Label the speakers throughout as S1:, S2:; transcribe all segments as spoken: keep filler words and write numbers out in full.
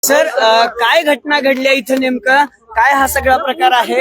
S1: Sir अ, काय घटना घडल्या इथं नेमकं काय हा सगळा प्रकार आहे?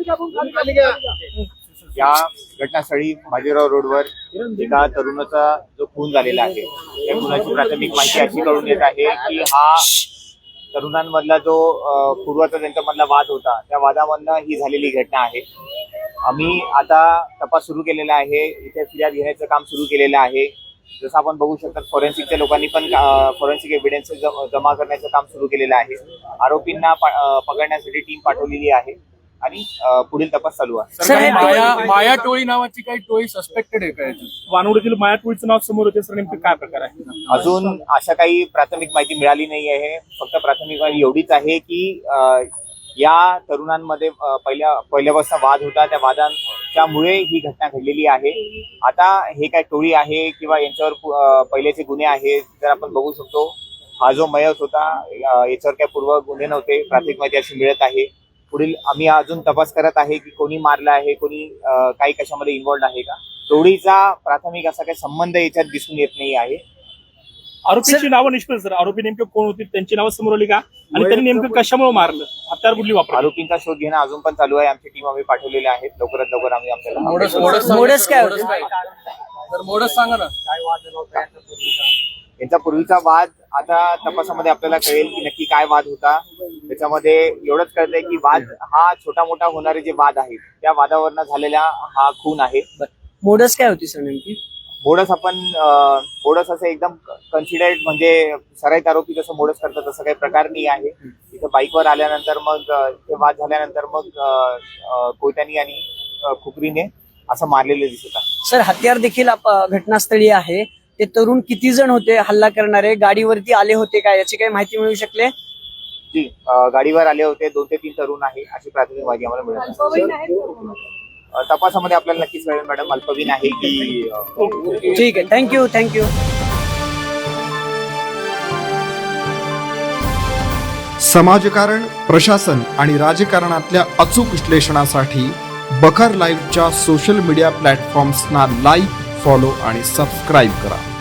S2: या घटनास्थळी बाजीराव रोडवर एका तरुणाचा जो खून झालेला आहे त्या खुनाची प्राथमिक माहिती अशी कळून येत आहे की हा तरुणांमधला जो अ, पूर्वाचा त्यांच्यामधला वाद होता त्या वादामधनं ही झालेली घटना आहे. आम्ही आता तपास सुरू केलेला आहे. इथे फिर्याद घेण्याचं काम सुरू केलेलं आहे. जसं आपण बघू शकता फॉरेन्सिकच्या लोकांनी पण फॉरेन्सिक एव्हिडन्स जमा करण्याचं काम सुरू केलेलं आहे. आरोपींना पकडण्यासाठी टीम पाठवलेली आहे आणि पुढील तपास चालू आहे.
S3: सर माया माया टोळी नावाची काही टोळी सस्पेक्टेड आहे का?
S4: वानवडीतील माया टोळीचं नाव समोर होते. सर नेमकं काय प्रकार आहे?
S2: अजून अशा काही प्राथमिक माहिती मिळाली नाही आहे. फक्त प्राथमिक माहिती एवढीच आहे की या तरुणांमध्ये पहिल्या पहिल्यापासून वाद होता. त्या वादांच्यामुळे ही घटना घडलेली आहे. आता हे काय टोळी आहे किंवा यांच्यावर पहिल्याचे गुन्हे आहेत जर आपण बघू शकतो. हा जो मयत होता याच्यावर काय पूर्व गुन्हे नव्हते. प्राथमिक माहिती अशी मिळत आहे. पुढील आम्ही अजून तपास करत आहे की कोणी मारला आहे, कोणी काही कशामध्ये इन्व्हॉल्ड आहे का. टोळीचा प्राथमिक असा काही संबंध याच्यात दिसून येत नाही आहे.
S4: आरोपींची नावं निष्पन्न सर, आरोपी नेमके कोण होती त्यांची नावं समोर आली का आणि त्यांनी नेमकं कशामुळे मारलं, हत्यार कुठली वापर?
S2: आरोपींचा शोध घेणं अजून पण चालू आहे. आमची टीम आम्ही पाठवलेली आहेत. लवकरात लवकर आम्ही आपल्याला
S3: मोडस मोडस
S1: मोडस काय होतं?
S3: तर मोडस सांगा ना.
S2: यांचा पूर्वीचा वाद आता तपासामध्ये आपल्याला कळेल की नक्की काय वाद होता. त्याच्यामध्ये एवढंच कळतंय की वाद हा छोटा मोठा होणारे जे वाद आहेत त्या वादावरनं झालेला हा खून आहे.
S1: मोडस काय होती सर नेमकी?
S2: मोडस आपण मोडस असं एकदम कन्सिडर्ड म्हणजे सराईत आरोपी जसं मोडस करतात तसं काही प्रकार नाही आहे. इथं बाईकवर आल्यानंतर मग इथे वाद झाल्यानंतर मग कोयत्यानी आणि खुपरीने असं मारलेलं दिसत आहे.
S1: सर हत्यार देखील घटनास्थळी आहे. ते तरुण किती जण होते हल्ला करणारे? गाडीवरती आले होते का याची काही माहिती मिळू शकले?
S2: जी गाडीवर आले होते. दोन ते तीन तरुण आहे अशी प्राथमिक माहिती आम्हाला मिळाली. तपासामध्ये आपल्याला नक्कीच मिळेल मॅडम. अल्पवीन आहे की
S1: ठीक आहे. Thank you thank you.
S5: समाजकारण, प्रशासन आणि राजकारणातल्या अचूक विश्लेषणासाठी बखर लाईव्हच्या सोशल मीडिया प्लॅटफॉर्म्सना लाईक, फॉलो आणि सबस्क्राईब करा.